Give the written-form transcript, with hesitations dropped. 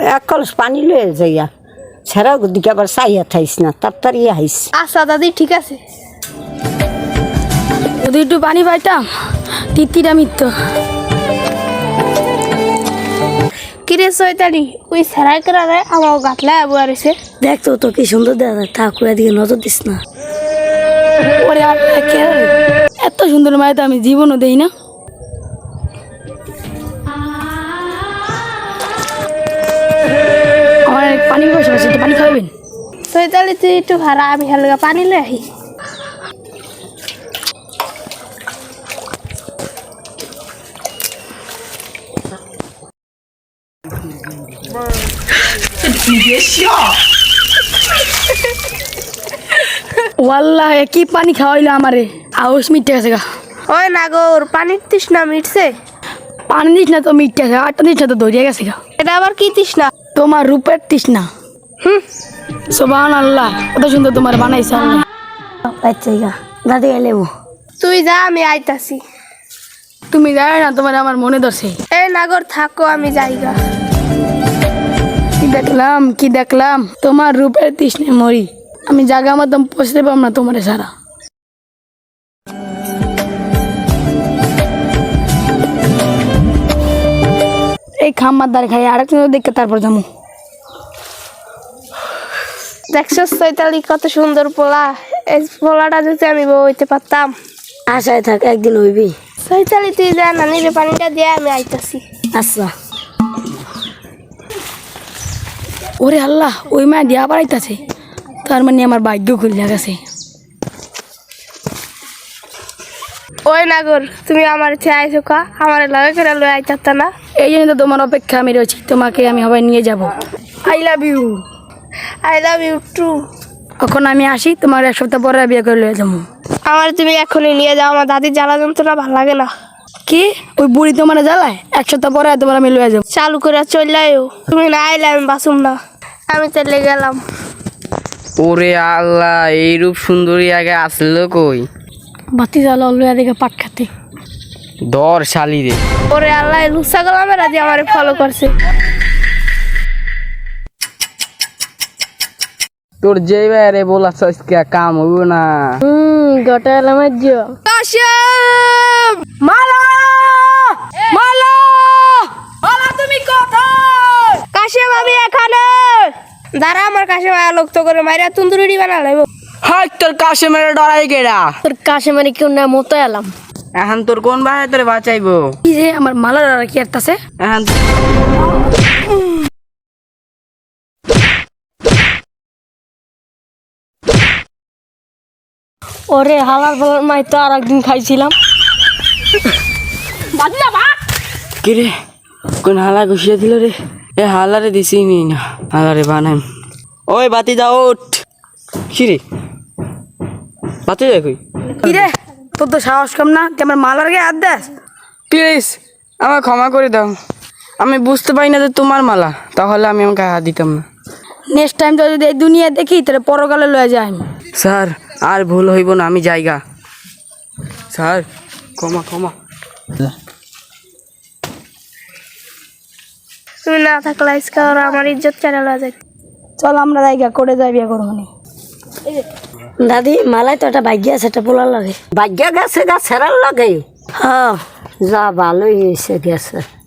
এক কলস পানি লয়ে যাইয়া ছেড়া দিকে আবার চাইয়া থাইস না তাড়াতাড়ি আইস। আচ্ছা দাদি ঠিক আছে। যদি একটু পানি পাইতাম তিতিরা মিত্র। কিরে চৈতালি ওই সেরাই করে আমার গাতলা আবুয়া রয়েছে। দেখতো তো কি সুন্দর দেখা যায়, ঠাকুর এদিকে নজর দিস না। ওরে এত সুন্দর মায়ের তো আমি জীবনও দেই না। আমার পানি বসে বসে পানি খাওয়াবেন? চৈতালি তুই একটু ভাড়া, আমি হালকা পানি লয়ে আহি। ওয়াল্লাহ কি পানি খাওয়াইলো আমারে, আউস মিটে গেছে গা। ওই নাগর পানির তৃষ্ণা মিটছে? পানি দিস না তো মিটে গেছে, আটটা দিস না তো ধরিয়া গেছে গা। এটা আবার কি তৃষ্ণা? তোমার রূপের তৃষ্ণা। সুবহানাল্লাহ, কত সুন্দর তোমার বানাইছে আল্লাহ। আচ্ছা গা দাদি এলেবো। তুই যা, আমি আইতাছি। তুমি জানো না তোমার আমার মনে ধরছে। এই নাগর থাকো, আমি যাইগা। কি দেখলাম তোমার রূপের তৃষ্ণে মরি, আমি জায়গা মতন পৌঁছতে পারব না তোমার সারা। এই খাম্মার দ্বারে খাই আরেকজন দেখে তারপর যাবো। দেখছো চৈতালি কত সুন্দর পোলা, এই পোলাটা যদি আমি বউ হইতে পারতাম। আশায় থাক একদিন হইবি। চৈতালি তুই যা, নানির পানিটা দিয়ে আমি আইতাছি। আচ্ছা। ওরে আল্লাহ, ওই মায়া দিয়া বাড়াইতেছে, তার মানে আমার ভাগ্য খুলে গেছে। ওই নাগর তুমি আমার চেয়ে আইছো কা, আমার লাগে করে লয়ে আইতাতা না? এই জন্য তো তোমার অপেক্ষা আমি রয়েছি, তোমাকে আমি সবাই নিয়ে যাব। I love you. I love you too. এখন আমি আসি, তোমার এক সপ্তাহ পরে বিয়ে করে লয়ে যাবো। আমার তুমি এখনই নিয়ে যাও, আমার দাদির জ্বালা যন্ত্রণা ভালো লাগে না। কি ওই বুড়ি তোমার জ্বালায়? এক সপ্তাহ পরে তোমার আমি লয়ে যাবো। চালু করে চললেও তুমি না আইলে আমি বাসুম না, আমি চলে গেলাম। ওরে আল্লাহ, এই রূপ সুন্দরী আগে আসলো কই? বাতি জ্বালা লয়ে দেখে পাট খাতে। দর শালি রে। ওরে আল্লাহ, লুসা গেলাম রাজি আমারে ফলো করছে। তোর যে বাইরে বলাছ আজকে কাম হইব না। গোটা এলাম কাশেম, মালা মালা মালা, তুমি কোথায়? কাশেম আমি এখানে। দাঁড়া, আমার কাশেম লোক তো করে মাইরা তন্দুরি বানা লাগবো। হাই তোর কাছে মেরে ডরাই কেডা? তোর কাছে মানে কেউ না মতো এলাম। এখন তোর কোন ভাই তোরে বাঁচাইবো? কি যে আমার মালার কি আসতেছে? এখন ওরে হালার ফালার মাই তো আর একদিন খাইছিলাম। কি রে, কোন হালা ঘুষিয়ে দিল রে? এ হালারে দিছি নি না, হালারে বানাই। ওই বাতি যা ওঠ। কি রে বাতি যা কই? কি রে, তোর তো সাহস কম না, তুই আমার মালার গায়ে হাত দেস? প্লিজ আমাকে ক্ষমা করে দাও, আমি বুঝতে পারি না যে তোমার মালা, তাহলে আমি আমাকে হাত দিতাম না। নেক্সট টাইম তো যদি এই দুনিয়া দেখি তাহলে পরকালে লয়ে যায় আমি। স্যার আর ভুল হইব না, আমি যাইগা। স্যার ক্ষমা ক্ষমা। তুমি না থাকলে আজকে ওরা আমার ইজ্জত কেড়ে লয়ে যায়। চল আমরা জায়গা করে যাই বিয়ে করবো নি। দাদি মালাই তো একটা ভাগ্য আছে, একটা পোলার লাগে। ভাগ্যা গেছে গা ছেড়ার লাগে। হ্যাঁ যা ভালোই হয়েছে গেছে।